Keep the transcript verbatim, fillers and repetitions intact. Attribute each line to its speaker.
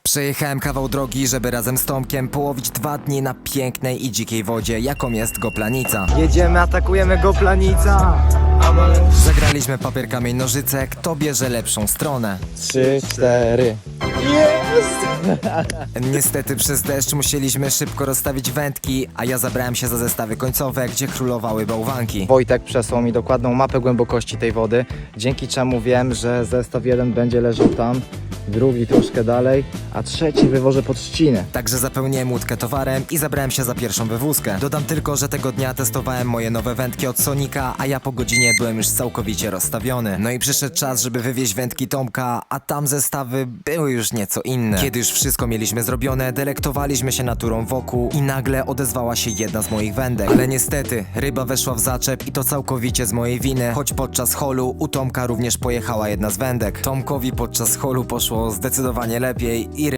Speaker 1: Przejechałem kawał drogi, żeby razem z Tomkiem połowić dwa dni na pięknej i dzikiej wodzie, jaką jest Goplanica.
Speaker 2: Jedziemy, atakujemy Goplanica!
Speaker 1: Zagraliśmy papier, kamień, nożyce, kto bierze lepszą stronę.
Speaker 2: Trzy, cztery.
Speaker 1: Niestety przez deszcz musieliśmy szybko rozstawić wędki, a ja zabrałem się za zestawy końcowe, gdzie królowały bałwanki.
Speaker 2: Wojtek przesłał mi dokładną mapę głębokości tej wody, dzięki czemu wiem, że zestaw jeden będzie leżał tam, drugi troszkę dalej, a trzeci wywożę pod trzcinę.
Speaker 1: Także zapełniłem łódkę towarem i zabrałem się za pierwszą wywózkę. Dodam tylko, że tego dnia testowałem moje nowe wędki od Sonika, a ja po godzinie byłem już całkowicie rozstawiony. No i przyszedł czas, żeby wywieźć wędki Tomka, a tam zestawy były już nieco inne. Kiedy już wszystko mieliśmy zrobione, delektowaliśmy się naturą wokół i nagle odezwała się jedna z moich wędek. Ale niestety, ryba weszła w zaczep i to całkowicie z mojej winy, choć podczas holu u Tomka również pojechała jedna z wędek. Tomkowi podczas holu poszło zdecydowanie lepiej i